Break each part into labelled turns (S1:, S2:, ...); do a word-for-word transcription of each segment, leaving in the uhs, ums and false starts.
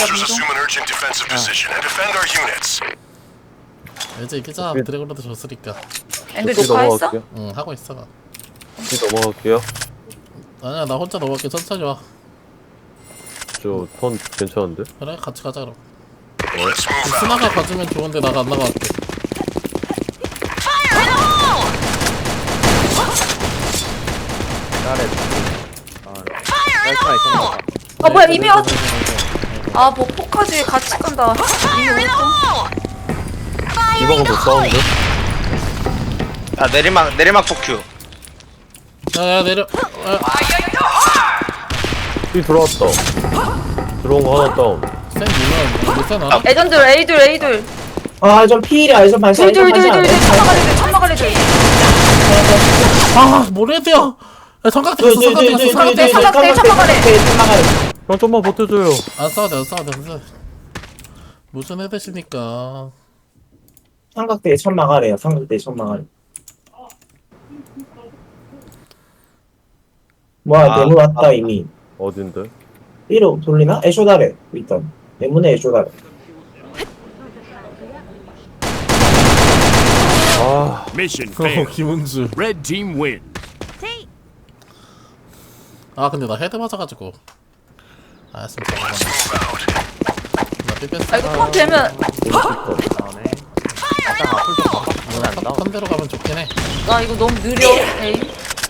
S1: Soldiers assume an urgent defensive position and defend our units.
S2: 이제 이기자. 드래곤로드 줬으니까.
S3: 앵글
S4: 지
S3: 녹화했어?
S4: 넘어갈게요.
S2: 응 하고 있어.
S4: 지 넘어갈게요.
S2: 아니야 나 혼자 넘어갈게. 천천히 와.
S4: 저 턴 괜찮은데?
S2: 그래 같이 가자 그럼.
S1: Let's move out.
S2: 스나가 가주면 좋은데 나가 안 나갈게.
S5: 나래. 아, 쌀쌀이 끝났다.
S3: 아 뭐야 이미 왔. 아뭐 포까지 같이 간다. 이미 왔어.
S4: 이방도 사운드?
S6: 아 내리막 내리막 포큐.
S2: 야야 내려. 야,
S4: 이 들어왔다. 들어온 거 하나 다운.
S2: 센 누나 못센 알아?
S3: 애전들 A들 A들.
S7: 아저 피일이야 에이전 반샷 에이전 반샷
S3: 둘둘둘둘 천막아래들 천막아래들.
S2: 아 모래드야. 야 삼각대 있어 삼각대 있어 삼각대.
S3: 삼각대, 삼각대.
S4: 형 좀만 버텨줘요.
S2: 안 싸워도 안 싸워도 안 싸워. 무슨 애드십니까?
S7: 삼각대에 천막아래요 삼각대에 천막아래 뭐야
S6: 아,
S7: 내문 왔다
S6: 아.
S7: 이미
S4: 어딘데?
S7: B로 돌리나? 애쇼다래 일단 내문에 애쇼다래
S4: 아,
S8: Mission
S2: 어
S8: failed.
S2: 김은주.
S8: Red team win.
S2: 아 근데 나 헤드 맞아가지고. 알았습니다. 나 삐뺐어.
S3: 아 이거 턴 되면
S5: 나오네. 약간 앞을 좀 봐봐. 오늘 안 나와.
S2: 턴대로 가면 좋긴 해.
S3: 나 이거 너무 느려. 에이.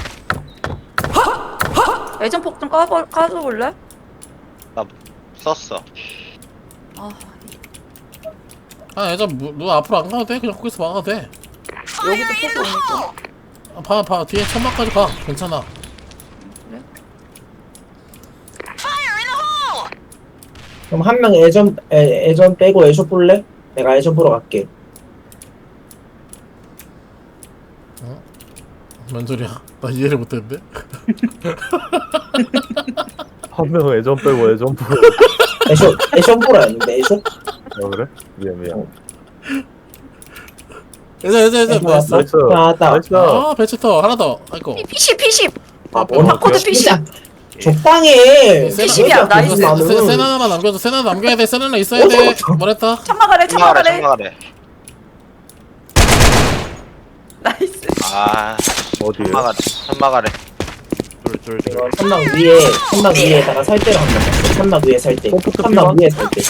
S3: 애전 폭 좀 까버 까줘볼래?
S6: 나 썼어.
S3: 아
S2: 아 예전 뭐, 너 앞으로 안 가도 돼. 그냥 거기서 막아도 돼.
S3: 여기도 폭이 오니까.
S2: 아, 봐, 봐. 뒤에 천막까지 가. 괜찮아.
S7: 그럼 한 명 애전 애, 애전 빼고 애쇼 볼래? 내가 애전 보러 갈게
S2: 뭔 소리야? 나 이해를 못했는데?
S4: 한 명 애전 빼고 애전 보러.
S7: 애쇼 애쇼 보러 왔는데 애쇼?
S4: 아, 그래? 미안, 미안.
S2: 예전 예전 예전
S7: 아이고,
S2: 뭐였어?
S4: 나이스.
S7: 나왔다.
S4: 나이스.
S2: 아 배치터 하나 더. 아이고.
S3: 피십 피십.
S7: 아
S2: 뭐,
S3: 바코드 피십.
S7: 적당해
S3: 피십이야, 나이스.
S2: 센 하나 남겨줘. 센 하나 남겨야 돼. 센 하나 있어야 돼. 뭐랬다?
S3: 천막아래
S6: 천막아래
S3: 천막아래.
S6: 천막아래.
S3: 나이스.
S6: 아
S4: 어디에?
S6: 천막아래 천막아래.
S5: 둘, 둘, 둘.
S7: 이거 천막 위에 천막 위에다가 설대를 한번 놨어 천막 위에 설대
S4: 컴퓨터
S7: 천막
S4: 피만?
S7: 위에 설대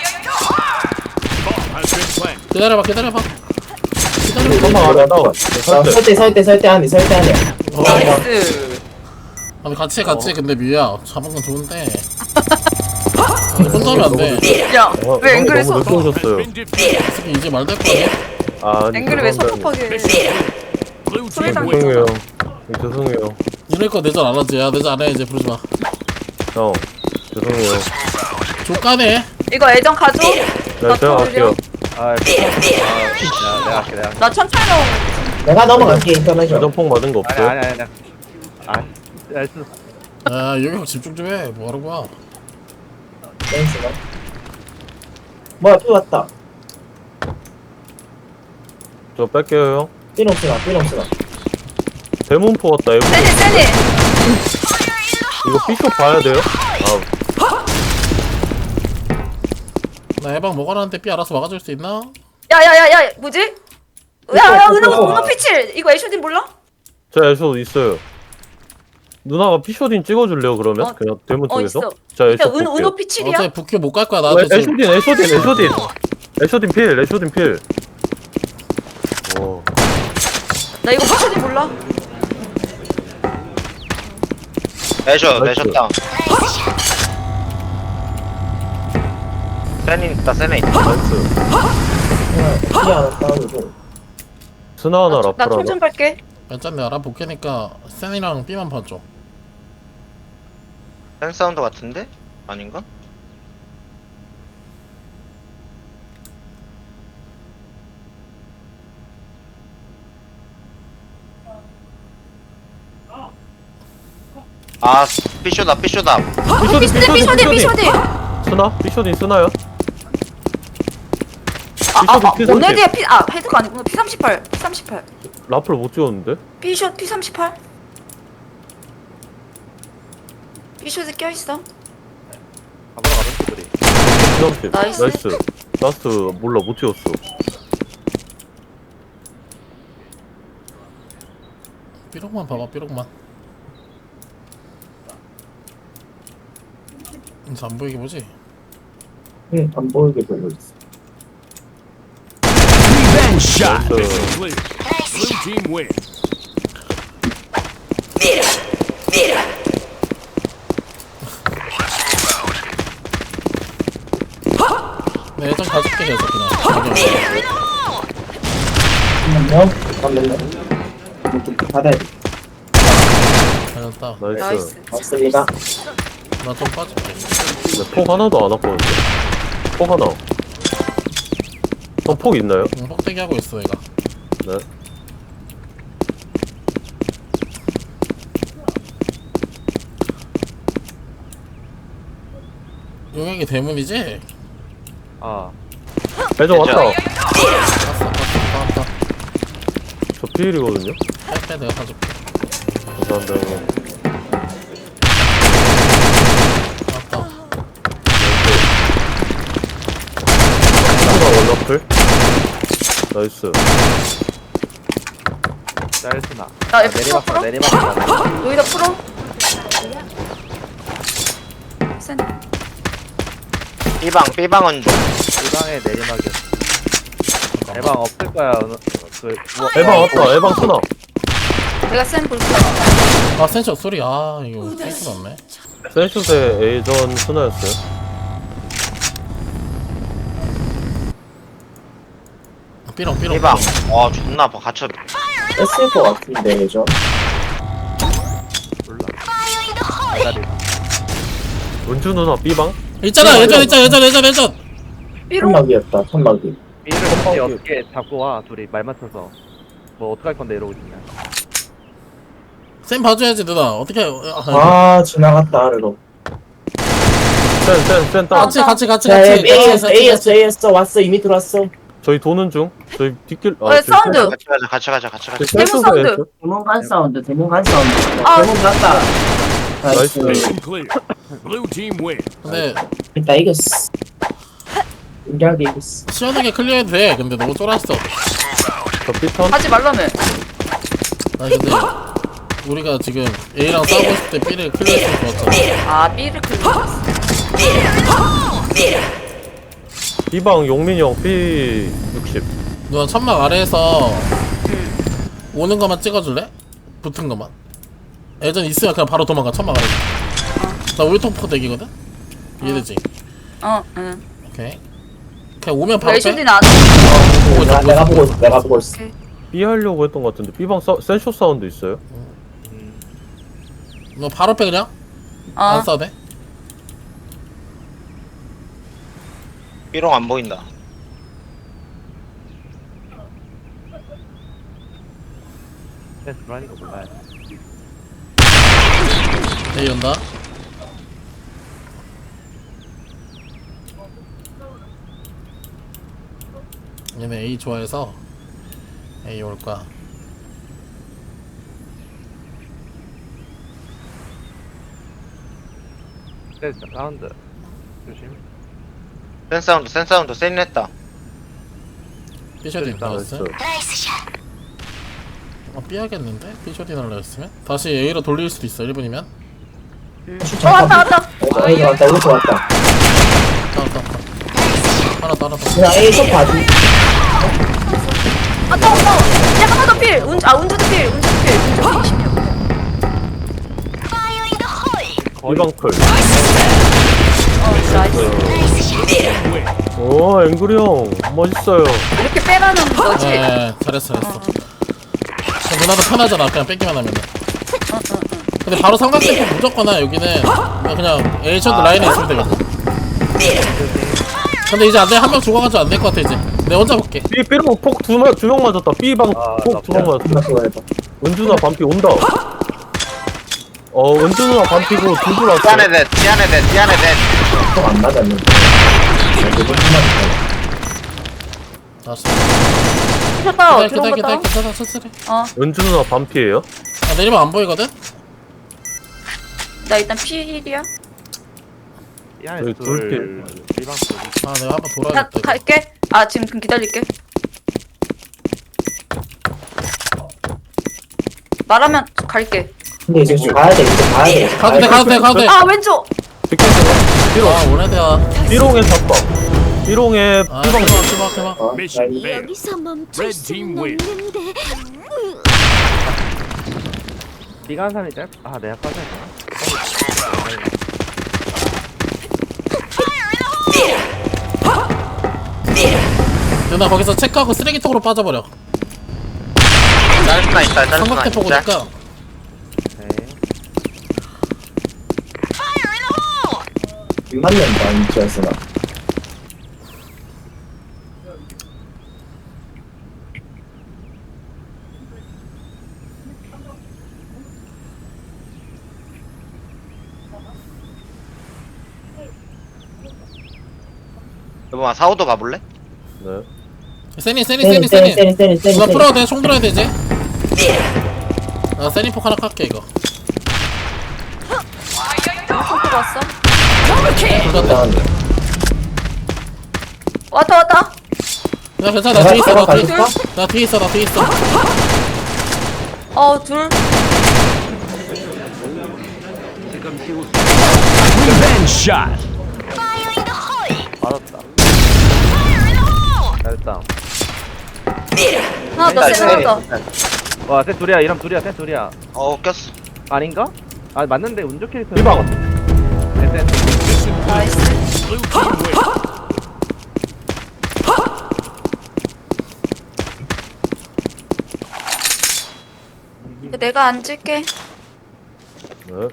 S8: Bomb has been planted.
S2: 기다려봐. 기다려봐. 기다려봐.
S4: 천막 아래 다운.
S7: 아, 설대 설대 설대 안에 설대 안에
S3: 나이스.
S2: 아니 같이 해 같이 해. 근데 뮤야 잡은 건 좋은데. 아니 혼자 하면 안 돼.
S3: 야,
S4: 어,
S3: 왜
S4: 형이
S3: 앵글을
S4: 너무
S3: 써?
S4: 늦게 오셨어요.
S8: Been defeated.
S2: 이제 말 될 거야.
S4: 아, 아니,
S3: 앵글을 왜
S4: 죄송합니다.
S3: 섭섭하게?
S8: Blue
S3: 소리
S8: team
S3: 당-
S8: win.
S4: 죄송해요. 네, 죄송해요.
S2: 이럴 거 내전 안 하지. 야 내전 안 해. 이제 부르지 마.
S4: 형, 죄송해요.
S2: 족가네.
S3: 이거 애전 가져.
S4: 네,
S3: 나
S4: 제가
S3: 또
S4: 할게요.
S5: 아, 아, 야, 내가 할게, 내가 할게.
S3: 나 천천히 넣어.
S7: 내가 넘어갈게 인터넷
S4: 애전 폭 맞은 거
S5: 아니,
S4: 없어요?
S5: 아니, 아니, 아니. 아, 나이스.
S2: 야 여기 집중 좀 해. 뭐 하는 거야?
S7: 댄스가 뭐야 피 왔다
S4: 저 뺄게요, 형.
S7: 삐롱스나 삐롱스나
S4: 대문포 왔다, 에브.
S3: 세니 세니.
S4: 이거 삐쇼 봐야 돼요? 아,
S2: 나 해방 먹어놨는데 삐 알아서 막아줄 수 있나?
S3: 야야야야 뭐지? 야야 은호
S7: 이거.
S3: 은호 피칠. 이거 애쇼딘 몰라?
S4: 제 애쇼 있어요. 누나가 피쇼딘 찍어줄래요, 그러면?
S3: 어,
S4: 그냥 대문
S3: 어
S4: 쪽에서?
S3: 있어.
S4: 자,
S3: 야
S4: 애쇼
S3: 은
S4: 볼게요.
S3: 은호 피칠이야?
S2: 어제 북큐 못 갈 거야
S4: 어,
S2: 나한테 지금.
S4: 애쇼딘, 애쇼딘, 애쇼딘. 애쇼딘 필, 애쇼딘 필. 오.
S3: 나 이거 피칠딘 몰라?
S6: 내셔
S4: 나이스.
S6: 내셔 다운. 세니 있다 세니 있다.
S4: 나이스.
S7: 피 하나 다운이고
S4: 스나 하나, 라플 하나.
S3: 나총좀 갈게.
S2: 괜찮네 알아볼게니까 센이랑 삐만 봐줘.
S6: 센 사운드 같은데? 아닌가? 아 피쇼다 피쇼다.
S4: 피쇼딘,
S3: 피쇼딘 피쇼딘 피쇼딘.
S4: 스나? 피쇼딘 스나요?
S3: 아아
S4: 피쇼딘
S3: 오늘
S4: 피삼십.
S3: 뒤에 피아 헤드가 아니구나. 피 삼십팔 피 삼십팔.
S4: 라플 못 찍었는데?
S3: 피쇼 피 삼십팔. 피쇼드 껴있어.
S5: 가보러 가자, 친구들이.
S4: 피삼십.
S3: 나이스.
S4: 나이스. 라스트 몰라 못 찍었어.
S2: 삐록만 봐봐 삐록만. 이제 안 보이게 보지?
S7: 응, 안 보이게 보고 있어.
S8: Revenge shot.
S4: 나이스.
S8: Mission clear. Blue team win.
S2: 네, 예전 가줄게 계속 그냥. 가게.
S7: 잠깐만요. 잠깐만요. 이거 좀 받아야 돼.
S2: 잘했다.
S4: 나이스.
S3: 나이스.
S7: 맞습니다.
S2: 나 좀 빠질게.
S4: 근데 폭 하나도 안 왔거든요. 폭 하나. 어, 폭 있나요?
S2: 응, 헛되게 하고 있어 얘가.
S4: 네.
S2: 용액이 대문이지?
S5: 아
S4: 배정 왔다.
S2: 봤어 봤어 봤어.
S4: 저 피일이거든요.
S2: 할때 내가 사줄게.
S4: 감사합니다 형님.
S2: 맞다.
S4: 하나 원러플. 나이스.
S5: 짤스나.
S3: 나 F
S5: 내리막
S3: 풀어?
S5: 내리막.
S3: 여기다 풀어? 센.
S6: B방 B방은 좀
S5: 이방에 내리막이었어. 대방 없을 거야. 어느- 그 우와,
S4: 에방 왔다. 에방 스나.
S3: 내가 센 볼게.
S2: 아 센션 소리. 아 이거 센스 없네.
S4: 센슛의 A전 스나였어요.
S2: 삐롱 삐롱.
S6: B방 와 존나 아파 갇혀
S7: 뺐을 것 같은데, 예전.
S5: 몰라. 대가리.
S4: 은주 누나 B방?
S2: 있잖아 예전 예전 예전 예전 예전.
S3: 삐롱.
S7: 천막이었다, 천막이.
S5: B를 혹시 어떻게 잡고 와 둘이 말 맞춰서 뭐 어떡할 건데 이러고 있냐.
S2: 쌤 봐줘야지 누나. 어떻게? 아,
S7: 아, 지나갔다, 아래로.
S4: 센, 센, 센 땅.
S2: 같이 같이 같이
S7: 자,
S2: 같이.
S7: A였어, A였어, A였어. 왔어, 이미 들어왔어.
S4: 저희 도는 중. 저희 뒷길.
S3: 어, 사운드.
S6: 같이 가자 같이 가자 같이 가자
S3: 대문 사운드.
S7: 대문 간 사운드, 대문 간 사운드.
S3: 아.
S7: 대문 갔다.
S4: 나이스.
S7: 나이스.
S8: Mission clear. Blue team win.
S2: 근데
S7: 일단 이겼어. 인기하게 이겼어.
S2: 시원하게 클리어해도 돼. 근데 너무 쫄았어.
S4: 저 B턴.
S3: 하지 말라며.
S2: 아니 근데 우리가 지금 A랑 싸우고 있을 때 B를 클리어했으면 좋았잖아.
S3: 아, B를 클릭했어.
S4: B방 용민이 형 B 육십.
S2: 누나 천막 아래에서 오는 것만 찍어줄래? 붙은 것만. 예전 있으면 그냥 바로 도망가. 천막 아래. 나 울통포 대기거든. 이해되지?
S3: 어, 응.
S2: 오케이. 그냥 오면 바로 빼.
S3: 레이션디는 안
S2: 보고 있어,
S7: 내가,
S2: 보고
S7: 내가
S2: 있어.
S7: 보고 있어, 내가 보고 있어.
S3: 오케이.
S4: B 하려고 했던 것 같은데 B방 사, 센쇼 사운드 있어요?
S2: 너 바로 빼 그냥.
S3: 어.
S2: 안 싸도 돼.
S6: B롱 안 보인다
S5: 센스 불안이가 몰라요.
S2: A 온다. 얘네 A 좋아해서 A 올 거야.
S5: 센스 사운드. 조심.
S6: 센 사운드 센 사운드 센 했다
S2: 삐셔딘
S4: 나이스.
S2: 나왔어. 아 삐하겠는데? 삐셔딘 하려 했으면? 다시 A로 돌릴 수도 있어. 일 분이면.
S3: 어, 왔다, 왔다.
S7: 어, A 왔다, 오른쪽 왔다.
S2: 따라 따라 따라. 하나 따라 따라.
S7: 그냥 A 쪽 봐줘.
S3: 아, 따워, 따워. 야, 하나 더 필. 운, 아, 운주도 필. 운주도 필. 운주 이십 명.
S4: B방 클.
S3: 어, 나이스.
S8: Win.
S4: 오 앵그리 형 멋있어요.
S3: 이렇게 빼라는 거지.
S2: 네 잘했어 잘했어. 그럼 누나도 편하잖아. 그냥 뺏기만 하면은. 근데 바로 삼각대포 무조건아 여기는. 그냥, 그냥 A 셔도 라인에 있으면 되거든. 근데 이제 안돼. 한 명 죽어가지고 안 될 것 같아 이제. 내가 혼자 볼게.
S4: B B로 폭두명 맞았다. B방
S5: 아,
S4: 폭 두 명 맞았다.
S7: 존나 좋아해봐.
S4: 은주나 반피 온다. 어 은주 누나 반피고 둘둘 왔어.
S6: 띠안에 대 띠안에 대 띠안에 대
S7: 안 맞았는데.
S2: 알았어.
S3: 쳤다.
S2: 기다려 기다려
S3: 들어온
S2: 기다려
S3: 거다.
S2: 기다려 천천히.
S3: 어,
S4: 은주 누나 반피예요?
S2: 아 내리면 안 보이거든?
S3: 나 일단 필이야.
S5: 이 안에
S4: 저기
S5: 둘
S4: 둘
S5: B방 둘
S2: 아 내가 한번
S3: 나
S2: 돌아야겠다 이거.
S3: 갈게. 아 지금 그럼 기다릴게. 말하면 갈게.
S7: 근데 이제 가야 돼 이제 가야 돼
S2: 가도 돼 가도 돼 가도 돼.
S3: 아 왼쪽.
S4: 빅게임 삐롱
S2: 아 오래돼야.
S4: 삐롱에 잡박 삐롱에
S2: 아
S4: 삐방
S2: 대박 대박 대박.
S7: 어?
S8: Mission
S7: 나
S8: failed.
S9: 여기서 멈출
S8: Red team
S9: 수는
S8: win.
S9: 없는데.
S5: B간 사람이 짧. 아 내가 빠져 있구나.
S2: 누나 거기서 체크하고 쓰레기통으로 빠져버려.
S6: 짤스나 있다 짤스나
S2: 삼각대
S6: 있다
S2: 보고니까.
S5: 네.
S7: 안 맞는다 이쪽에서나.
S6: 여보마 사우도 가볼래?
S4: 네
S2: 세니 세니
S7: 세니
S2: 세니
S7: 세니
S2: 세니.
S7: 세니 세니 세니
S2: 누나 풀어야 돼. 총 들어야 돼 이제. 나 세니 폭 하나 깎게 이거.
S3: 또 왔어.
S2: 둘 다. 돼.
S3: 왔다 왔다.
S2: 야 괜찮아 나 뒤에 있어 나 뒤에
S7: 가줄까?
S2: 나 뒤에 있어 나 뒤에 있어.
S3: 어 둘.
S8: Revenge shot.
S5: 맞았다. 잘했다.
S3: 하나 더
S6: 일단
S3: 세나 더.
S6: 일단.
S5: 와, 셋 둘이야. 이름 둘이야. 셋 둘이야.
S6: 어 꼈어
S5: 아닌가? 아 맞는데 운 좋게 캐릭터.
S4: 삐방
S5: 셋 셋.
S3: 나이스.
S8: Blue team win.
S3: 내가 앉을게.
S4: 네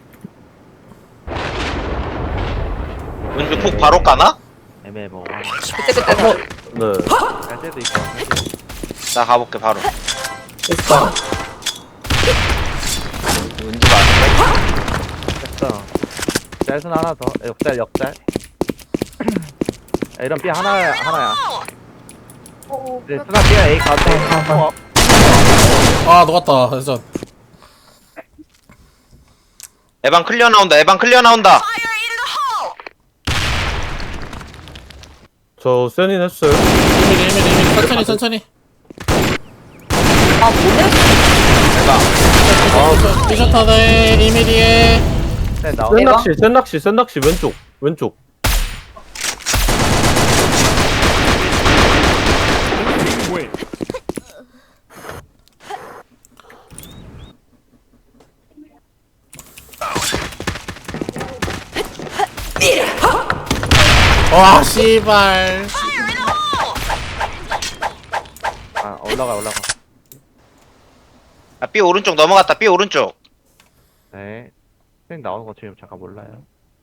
S6: 은주 폭 바로 까나?
S5: 애매모.
S3: 그때 그때 더.
S4: 네.
S5: 갈 때도 있고. 안 갈 때도 있고.
S6: 나 가볼게 바로
S7: 됐다.
S6: 은주가 아닌데?
S5: 됐어. 짤순 하나 더. 역짤 역짤. 야, 이런 B 하나 하나야. 이제 스나 B야 A 가도 돼. 어,
S2: 아 녹았다. 그래서
S6: 에방 클리어 나온다 에방 클리어 나온다
S4: 저 세닌 했어요
S2: 일 미리 일 미리 일 미리 천천히 천천히.
S3: 아 뭐네?
S6: 에방
S2: 삐셔타네 일 미리에.
S5: 셋 나와.
S7: 네.
S4: 센낚시 센낚시 센낚시 왼쪽 왼쪽
S8: Team win.
S2: 와 씨발.
S5: 아 올라가 올라가.
S6: 아 B 오른쪽 넘어갔다 B 오른쪽
S5: 네. 생 나오는 거 지금 잠깐 몰라요.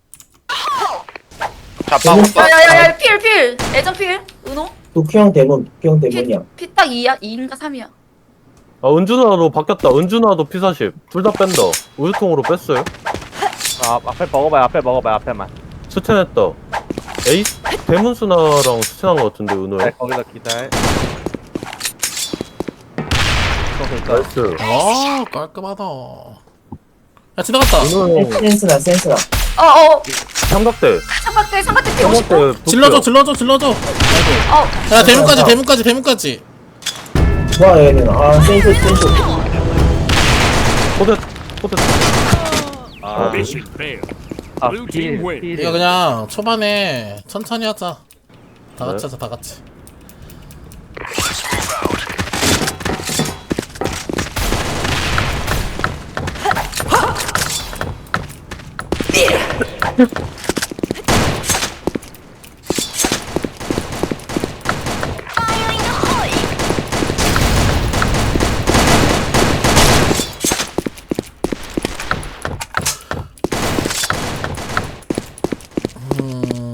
S6: 좌파
S7: 음.
S6: 오빠
S3: 야야야야 필 필. 애정 필. 은호.
S7: 도쿄형 대문 도쿄형 대문이야.
S3: 피딱 이야 이인가 삼이야.
S4: 아 은준아도 바뀌었다 은준아도 피 사십 둘 다 뺀다 우유통으로 뺐어요
S5: 아 앞에 먹어봐요. 앞에 먹어봐요. 앞에만.
S4: 스탠했다 에이 대문수나랑 스탠한 거 같은데
S5: 네
S4: 은호야
S5: 거기서 기다려. 이거 됐다.
S4: 나이스
S2: 아 깔끔하다. 야 지나갔다.
S4: 은호 형
S7: 센스나 센스나.
S3: 어어.
S4: 삼각대
S3: 삼각대 삼각대 피 오십 분.
S4: 삼각대
S2: 질러줘 질러줘 질러줘. 아이고.
S3: 어.
S2: 야 대문까지 대문까지 대문까지.
S7: 뭐야 얘는 아 센스 센스.
S4: 포대 포대
S5: 아,
S8: Mission failed.
S5: 아
S8: Blue team
S5: 필,
S8: win.
S5: 필.
S2: 이거 그냥 초반에 천천히 하자. 다 같이
S4: 네.
S2: 하자 다 같이. 음.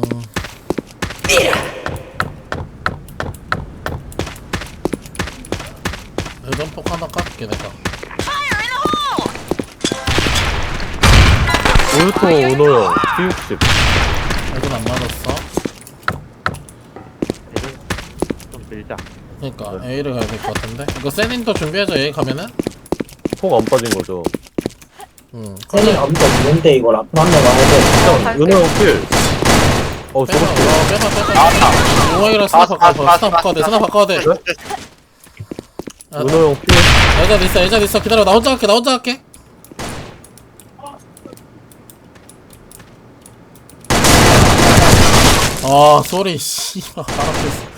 S2: 예전폭 하나 깎게 내가.
S4: 우유통 은호형 피 육십
S2: 애들 안 맞았어.
S5: 얘를 좀 밀자.
S2: 그러니까
S4: 네.
S2: A를 가야 될 것 같은데. 이거 세닌도 준비해줘. A 가면은.
S4: 폭 안 빠진 거죠
S2: 응.
S7: 세니 아무도 없는데 이걸 앞으로 한명 와야 돼.
S3: 갈게.
S4: 은호 형필 어
S2: 빼봐
S4: 저거
S2: 어 빼봐 빼봐
S6: 나왔다.
S2: 용왕이랑 스나
S6: 나왔어,
S2: 바꿔야 돼
S6: 나왔어,
S2: 스나 바꿔야 돼 스나 바꿔야 돼 아,
S4: 은호 형 피해.
S2: 애전 있어 애전 있어 기다려 나 혼자 할게 나 혼자 할게 아 쏘리 씨발 바로 앞에 있어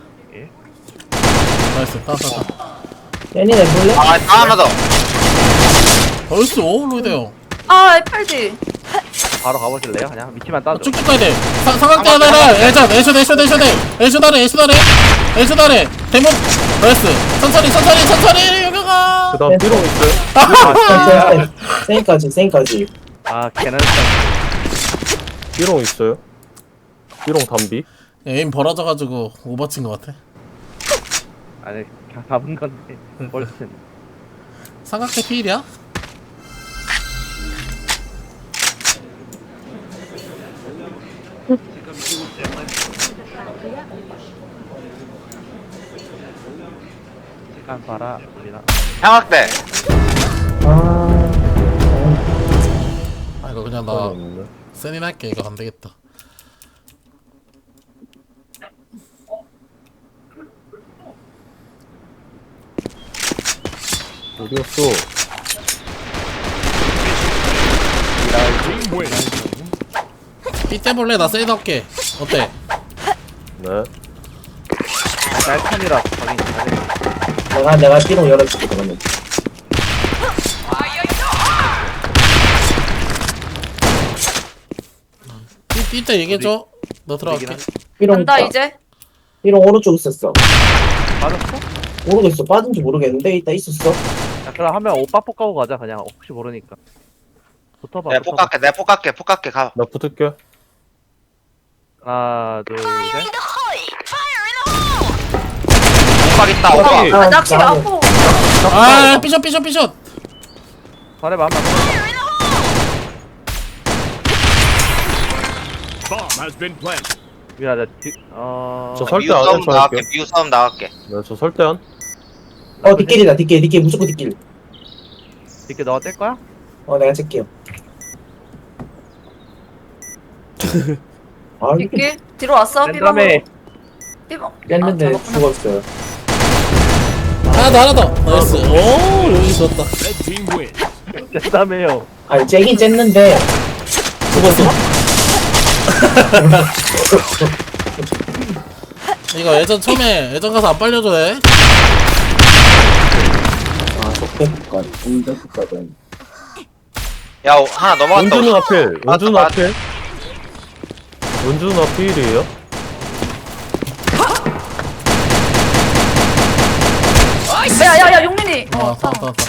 S2: 나이스 따따따
S7: 애니 내볼래?
S6: 아, 나 하나 더.
S2: 나이스 오 로이드 형
S3: 아 에팔디.
S5: 바로 가보실래요? 그냥 위치만 따줘.
S2: 쭉쭉 가야 돼 사- 삼각대 하나랑 애전 애쇼 애쇼 애쇼 애쇼 아래 애쇼 아래 애쇼 아래 대문 나이스 천천히 천천히 천천히 여기가
S4: 그다음 삐롱 있어요?
S7: 아, 생까지 생까지.
S5: 아 걔는
S4: 삐롱 있어요? 삐롱 담비?
S2: 에임 벌어져가지고 오버친 것 같아
S5: 아니 그냥 잡은 건데 훨씬.
S2: 삼각대 피일이야?
S5: 시간 봐라 우리나.
S6: 향악대.
S7: 아,
S2: 아 이거 그냥
S4: 나
S2: 나
S4: 없네.
S2: 세닌 할게 이거 안되겠다
S4: 어디였어?
S8: Team wins.
S2: 삐 떼볼래? 나 세닌 할게 어때?
S4: 네.
S5: 날판이라 가긴 잘해.
S7: 내가 내가 삐롱 열어줄게 그러면.
S2: 삐때 얘기해줘 너 들어갈게
S7: 삐롱
S3: 간다
S7: 있다.
S3: 이제.
S7: 삐롱 오른쪽 있었어.
S5: 맞았어?
S7: 모르겠어. 빠진지 모르겠는데 이따 있었어.
S5: 야 그럼 한명 오빠 폭 가고 가자 그냥 혹시 모르니까. 붙어봐.
S6: 내가
S5: 붙어봐.
S6: 폭 갈게, 내가 폭 갈게, 폭 갈게, 가.
S4: 나 붙을게.
S5: 하나 둘 셋.
S6: 폭각 있다,
S7: 어,
S6: 오빠.
S7: 아,
S3: 아 낚시가
S7: 나-
S3: 아파.
S2: 아 삐셔 삐셔 삐셔
S5: 잘해봐 한번.
S8: Bomb has been planted.
S5: 미안하다. 뒤- 어.
S4: 저 설-
S6: 미우
S4: 설대 안
S6: 싸움
S4: 해서
S6: 나갈게,
S4: 할게요.
S6: 미우 싸움 나갈게.
S4: 네, 저 설대한.
S7: 어 뒷길이다 뒷길 뒷길 무조건 뒷길.
S5: 이렇게 너가 뗄 거야?
S7: 어 내가 찰게요. 아 이게
S3: 뒷길 뒤로 왔어.
S5: 랜덤에.
S3: 삐방으로. 삐방.
S7: 뺐는데
S3: 아, 잡았구나.
S7: 죽었어요.
S2: 하나 더 하나 더 나이스 오 여기 좋았다
S8: Red team wins.
S5: 뗄다며요.
S7: 아니 째긴 쨌는데
S2: 죽었어 이거 예전 처음에 예전 가서 안 빨려줘 돼
S7: 아 적대국간 운전국가든.
S6: 야, 오, 하나 넘어갔다.
S4: 은주는 앞필.
S6: 맞다,
S4: 은주는
S6: 맞다.
S4: 앞필. 은주는 앞필이에요?
S3: 야야야 용민이.
S2: 아
S3: 어.
S2: 왔다 왔다 왔다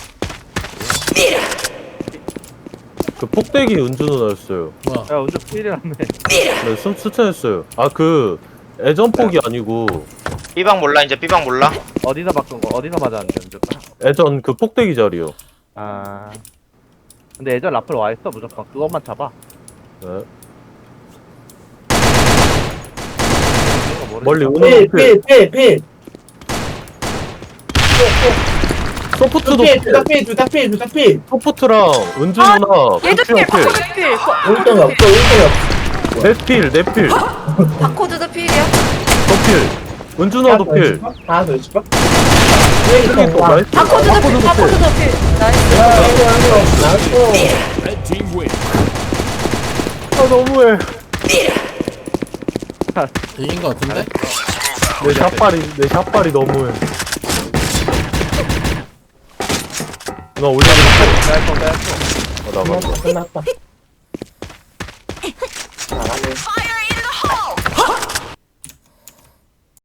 S4: 그 폭대기 은주는 했어요.
S2: 뭐야
S5: 야 운전 필이라며.
S4: 네, 숨 추천했어요. 아, 그, 애전폭이 아니고,
S6: 삐방 몰라, 이제 삐방 몰라.
S5: 어디서 바꾼 거? 어디서 맞았는데 운전?
S4: 애전 그 폭대기 자리요.
S5: 아. 근데 예전 라플 와 있어 무조건. 그것만 잡아.
S4: 네.
S5: 이거 모르니까.
S4: 멀리 은호 필.
S7: 필필필필
S4: 소프트도
S7: 필
S4: 필.
S7: 둘다 필 둘다 필 둘다 필.
S4: 소프트랑 은주 누나,
S3: 얘도
S4: 부추형
S3: 필.
S4: 필.
S3: 바코드 필.
S7: 일등이 없어 일등이 없어.
S4: 내 필, 내 필.
S3: 바코드도 필이야.
S4: 저 필. 은주 누나도 필.
S7: 하나 더 해줄까?
S4: 필이 또 나이스.
S3: 바코드도 필. 바코드도 필. 나이스.
S7: 나이스.
S8: Red team wins.
S4: 아, 너무해.
S2: 이긴 거 같은데?
S4: 내 샷발이, 내 샷발이 너무해. 누나 올려줘.
S5: 뺄거 뺄거.
S4: 아, 나간다.
S7: 끝났다. 잘하네.